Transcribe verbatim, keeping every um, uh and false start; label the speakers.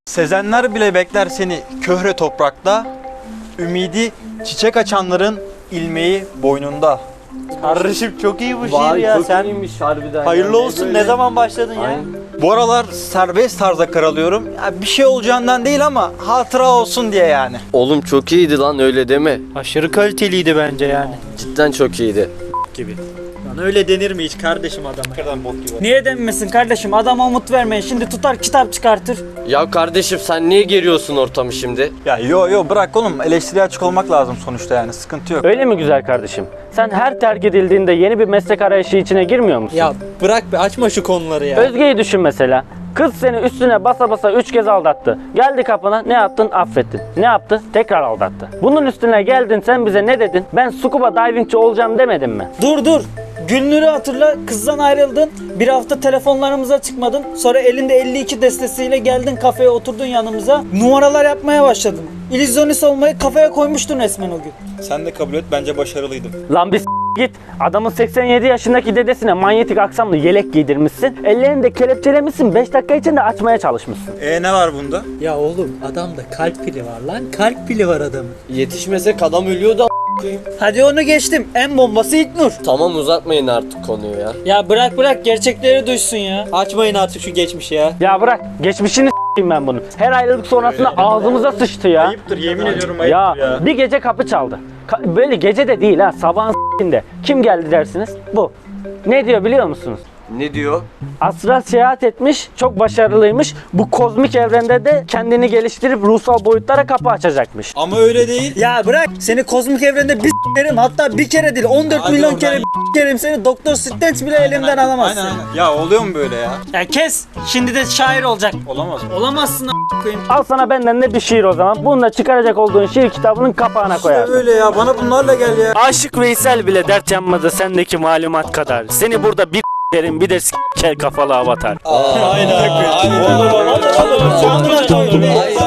Speaker 1: Sezenler bile bekler seni köhre toprakta, ümidi çiçek açanların ilmeği boynunda. Kardeşim çok iyi bu şiir
Speaker 2: Vay,
Speaker 1: ya.
Speaker 2: çok
Speaker 1: Sen
Speaker 2: iyiymiş harbiden.
Speaker 1: hayırlı
Speaker 2: ya.
Speaker 1: olsun.
Speaker 2: Böyle-
Speaker 1: Ne zaman başladın ya?
Speaker 2: Aynen.
Speaker 1: Bu aralar serbest tarzda karalıyorum. Ya bir şey olacağından değil ama hatıra olsun diye yani.
Speaker 3: Oğlum çok iyiydi lan, öyle deme.
Speaker 4: Aşırı kaliteliydi bence yani.
Speaker 3: Cidden çok iyiydi.
Speaker 4: Gibi. Lan öyle denir mi hiç kardeşim adama?
Speaker 1: Kadar bok gibi.
Speaker 4: Niye denmesin kardeşim? Adama umut vermeyin. Şimdi tutar kitap çıkartır.
Speaker 3: Ya kardeşim sen niye geriyorsun ortamı şimdi?
Speaker 1: Ya yo yo bırak oğlum, eleştiriye açık olmak lazım sonuçta yani, sıkıntı yok.
Speaker 5: Öyle mi güzel kardeşim? Sen her terk edildiğinde yeni bir meslek arayışı içine girmiyor musun?
Speaker 4: Ya bırak be, açma şu konuları ya.
Speaker 5: Özge'yi düşün mesela. Kız seni üstüne basa basa üç kez aldattı. Geldi kapına, ne yaptın? Affettin. Ne yaptı? Tekrar aldattı. Bunun üstüne geldin, sen bize ne dedin? Ben scuba divingçi olacağım demedin mi?
Speaker 4: Dur dur. Gülnur'u hatırla, kızdan ayrıldın. Bir hafta telefonlarımıza çıkmadın. Sonra elinde elli iki destesiyle geldin, kafeye oturdun yanımıza. Numaralar yapmaya başladın. İllüzyonist olmayı kafaya koymuştun resmen o gün.
Speaker 1: Sen de kabul et, bence başarılıydım.
Speaker 5: Lan bir s- git. Adamın seksen yedi yaşındaki dedesine manyetik aksamlı yelek giydirmişsin. Ellerini de kelepçelemişsin. beş dakika içinde açmaya çalışmışsın.
Speaker 1: E ne var bunda?
Speaker 4: Ya oğlum, adamda kalp pili var lan. Kalp pili var adamın.
Speaker 3: Yetişmesek adam ölüyordu a**.
Speaker 4: Hadi onu geçtim. En bombası İlknur.
Speaker 3: Tamam, uzatmayın artık konuyu ya.
Speaker 4: Ya bırak bırak, gerçekleri duysun ya. Açmayın artık şu geçmişi ya.
Speaker 5: Ya bırak. Geçmişini s**eyim ben bunu. Her ayrılık sonrasında ağzımıza sıçtı ya.
Speaker 1: Ayıptır, yemin ediyorum
Speaker 5: Ya,
Speaker 1: ayıptır ya.
Speaker 5: bir gece kapı çaldı. Ka- böyle gece de değil ha, sabahın s**inde. Kim geldi dersiniz? Bu. Ne diyor biliyor musunuz?
Speaker 3: Ne diyor?
Speaker 5: Astral seyahat etmiş, çok başarılıymış. Bu kozmik evrende de kendini geliştirip ruhsal boyutlara kapı açacakmış.
Speaker 1: Ama öyle değil.
Speaker 4: Ya bırak, seni kozmik evrende bir s**erim, hatta bir kere değil on dört
Speaker 1: Hadi
Speaker 4: milyon
Speaker 1: oradan
Speaker 4: kere
Speaker 1: ya.
Speaker 4: s**erim seni, Doktor Strange bile elimden alamazsın.
Speaker 1: Aynen aynen. Ya oluyor mu böyle ya?
Speaker 4: Ya kes, şimdi de şair olacak.
Speaker 1: Olamaz mı?
Speaker 4: Olamazsın a**ına koyayım.
Speaker 5: Al sana benden de bir şiir o zaman. Bunu da çıkaracak olduğun şiir kitabının kapağına koyarsın.
Speaker 1: Öyle ya, bana bunlarla gel ya.
Speaker 5: Aşık Veysel bile dert yanmadı sendeki malumat kadar. Seni burada bir derin bir de s**kel kafalı avatar.
Speaker 1: Aynen. Aynen.
Speaker 4: Olur olur olur olur.